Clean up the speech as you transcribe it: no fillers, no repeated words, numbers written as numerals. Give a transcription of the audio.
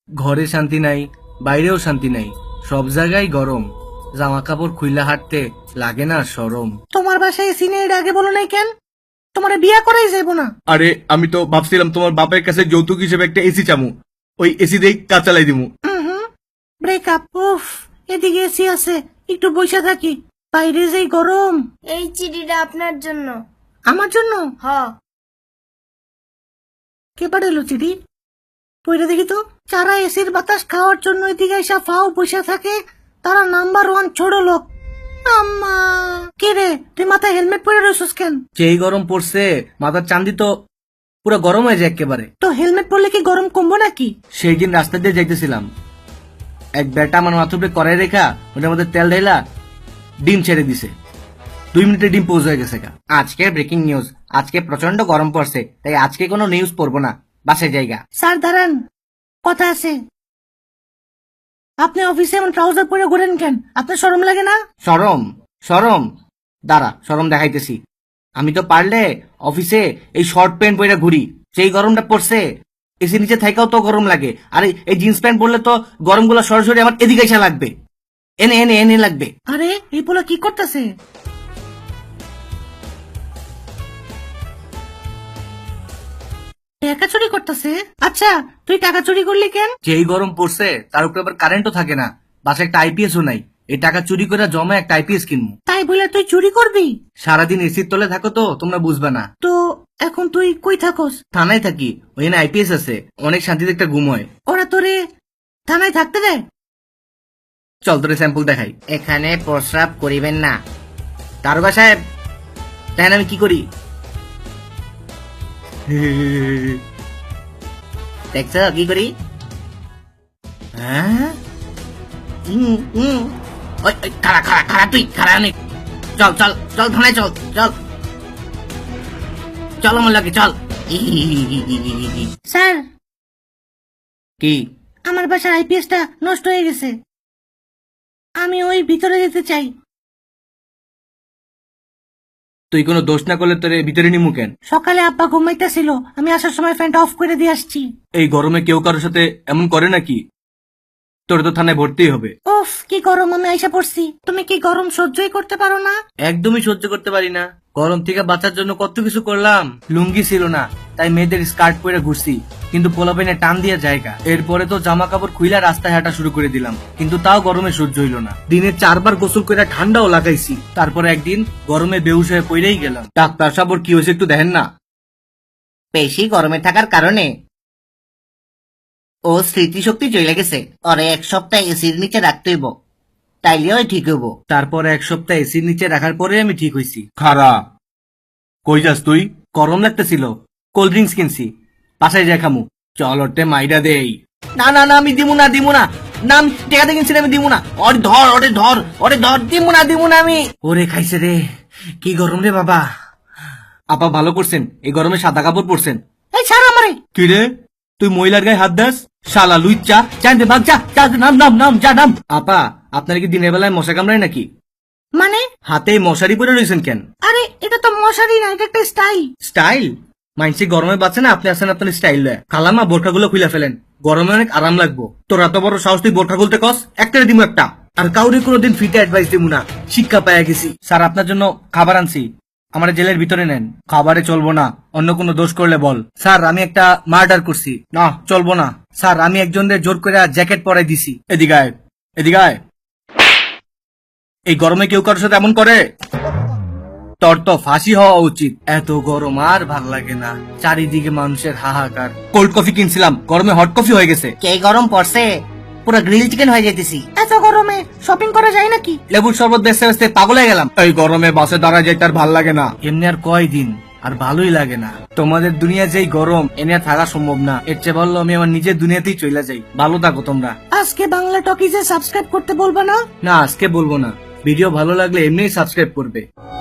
ঘরে শান্তি নাই, বাইরেও শান্তি নাই, সব জায়গায় গরম। জামা কাপড় খুইলা হাঁটতে লাগে না শরম। তোমার বাসায় এসি নেই, এর আগে বলো নাই কেন? তোমার বিয়া করাই যাবো না। আরে আমি তো ভাবছিলাম তোমার বাপের কাছে যৌতুক হিসেবে একটা এসি চামু, ওই এসি দিয়ে কাজ চালাই দিমু। ব্রেকআপ। উফ, এদিকে এসি আছে, একটু বসে থাকি। বাইরে যেই গরম। এই চিঠিটা আপনার জন্য। আমার জন্য? হ। কে পাঠালো চিঠি? পইরা দেখি তো। যারা এসির বাতাস খাওয়ার জন্য এদিকে এসে ফাও বসে থাকে, তারা নাম্বার 1 ছোট লোক। আম্মা, কে রে, তুই মাথায় হেলমেট পরে রয়েছিস কেন? যেই গরম পড়ছে মাথার চান্দি তো পুরো গরম হয়ে যায় একেবারে। তো হেলমেট পরলে কি গরম কমবো নাকি? সেই দিন রাস্তা দিয়ে যাইতেছিলাম, এক বেটা আমার মাথার উপরে কড়াই রেখা ওটার মধ্যে তেল ঢেলা ডিম ছেড়ে দিছে। 2 মিনিটে ডিম পোজ হয়ে গেছে। আজকের ব্রেকিং নিউজ, আজকে প্রচন্ড গরম পড়ছে, তাই আজকে কোনো নিউজ পড়বো না, বাসায় জায়গা। স্যার দাঁড়ান, কথা আছে। আপনি অফিসে এমন ট্রাউজার পরে ঘোরেন কেন? আপনার শরম লাগে না? শরম? শরম? দাঁড়া, শরম দেখাইতেছি। আমি তো পারলে অফিসে এই শর্ট প্যান্ট পরে ঘুরি, সেই গরমটা পড়ছে এসি নিচে থাকাও তো গরম লাগে। আর এই জিন্স প্যান্ট পরলে তো গরমগুলো সরাসরি আমার এদিকে এসে লাগবে, এনে এনে এনে লাগবে। আরে এই পোলা কি করতেছে? টাকা চুরি করতেছে? আচ্ছা, তুই টাকা চুরি করলি কেন? যেই গরম পড়ছে তার উপরে আবার কারেন্টও থাকে না, বাসায় একটা আইপিএসও নাই। এই টাকা চুরি করে জমা একটা আইপিএস কিনবো। তাই বলে তুই চুরি করবি? সারাদিন এসির তলে থাকো তো তোমরা বুঝবে না। তো এখন তুই কই থাকোস? থানায় থাকি, ওইখানে আইপিএস আছে, অনেক শান্তিতে একটা ঘুম হয়। ওরা তোরে থানায় থাকতে দেয়? চল তোরে স্যাম্পল দেখাই। এখানে প্রস্রাব করিবেন না। দারোগা সাহেব, দেখেন আমি কি করি। দেখছ কি করি? হ্যাঁ, ওই, ওই, খাড়া খাড়া খাড়া, তুই খাড়া অনেক। চল চল চল থানায়, চল চল চল আমার লাগে, চল। স্যার, কি? আমার বাসার আইপিএসটা নষ্ট হয়ে গেছে, আমি ওই ভিতরে যেতে চাই। তুই কোনো দোষ না করলে তোর ভিতরে নিমু কেন? সকালে আব্বা ঘুমাইতেছিল, আমি আসার সময় ফ্যানটা অফ করে দিয়ে আসছি। এই গরমে কেউ কারোর সাথে এমন করে নাকি? তোর তো থানায় ভর্তিই হবে। উফ, কি গরম, আমি আইসা পড়ছি। তুমি কি গরম সহ্যই করতে পারো না? একদমই সহ্য করতে পারি না। গরম থেকে বাঁচার জন্য কত কিছু করলাম। লুঙ্গি ছিল না, তাই মেয়েদের স্কার্ট পরে ঘুরছি, কিন্তু পোলাপাইনে টান দিয়ে জায়গা। এরপরে তো জামা কাপড় খুইলা রাস্তায় হাঁটা শুরু করে দিলাম, কিন্তু তাও গরমে সহ্য হইল না। দিনে 4 বার গোসল করে ঠান্ডাও লাগাইছি। তারপরে একদিন গরমে বেহুশ হয়ে পড়েই গেলাম। ডাক্তার সাহেব, ওর কি হয়েছে একটু দেখেন না। বেশি গরমে থাকার কারণে ও স্মৃতিশক্তি চলে গেছে, ওরে 1 সপ্তাহ এসির নিচে রাখতে হইব, তাইলে ওই ঠিক হইব। তারপরে 1 সপ্তাহ এসির নিচে রাখার পরে আমি ঠিক হইছি। খারা, কই যাস তুই? গরম লাগতেছিল, কোল্ড ড্রিঙ্কস কিনছি, বাসায় যাই খামু। চল ওটে মাইরা দেই। না না না, আমি দিমু না দিমু না, নাম টেকাতে কিনছি, আমি দিমু না। ওরে ধর, ওরে ধর, ওরে ধর, দিমু না আমি। ওরে খাইছে রে, কি গরম রে বাবা। আপা ভালো করছেন, এই গরমে সাদা কাপড় পরছেন। এই ছাড় আমারে। কি রে, তুই মহিলার গায়ে হাত দাস? শালা লুইচা, জানতে ভাগ, যা যা, নাম নাম নাম, যা নাম। আপা, আপনার কি দিনের বেলায় মশা কামড়ায় নাকি? মানে? হাতে মশারি পরে রয়েছেন কেন? আরে এটা তো মশারি না, এটা একটা স্টাইল। স্টাইল? মাইনসি গরমে বাঁচে না, আপনি আসেন আপনার স্টাইল লয়। খালামা বোরখাগুলো খুলে ফেলেন, গরমে অনেক আরাম লাগবো। তোর এত বড় সাহস, তুই বোরখা খুলতে কস? একটা দিমু একটা। আর কাউরে কোনোদিন ফিটে অ্যাডভাইস দিমু না, শিক্ষা পাইয়া গেছি। স্যার, আপনার জন্য খাবার আনছি, আমার জেলের ভিতরে নেন। খাবারে চলবো না, অন্য কোনো দোষ করলে বল। স্যার, আমি একটা মার্ডার করছি। না, চলবো না। স্যার, আমি একজনের জোর করে জ্যাকেট পরাই দিছি। এদিকে আয়, এদিকে আয়। এই গরমে কেউ কারোর সাথে এমন করে? তোর তো ফাঁসি হওয়া উচিত। এত গরম আর ভাল লাগে না, চারিদিকে মানুষের হাহাকার। কোল্ড কফি কিনছিলাম, গরমে হট কফি হয়ে গেছে। কে গরম পড়ছে, পুরো গ্রিল চিকেন হয়ে যেতেছি। এত গরমে শপিং করা যায় নাকি? লেবুর শরবত বেচতে বেচতে পাগল হয়ে গেলাম। এই গরমে বাসে দাঁড়ায় যাইতে আর ভাল লাগে না। এমনি আর কয়দিন, আর ভালোই লাগে না। তোমাদের দুনিয়া যেই গরম, এনে আর থাকা সম্ভব না। এর চেয়ে বললো আমি আমার নিজের দুনিয়াতেই চলে যাই। ভালো থাকো তোমরা। আজকে বাংলা টকিজে সাবস্ক্রাইব করতে বলবো না? না, আজকে বলবো না। ভিডিও ভালো লাগলে এমনিই সাবস্ক্রাইব করবে।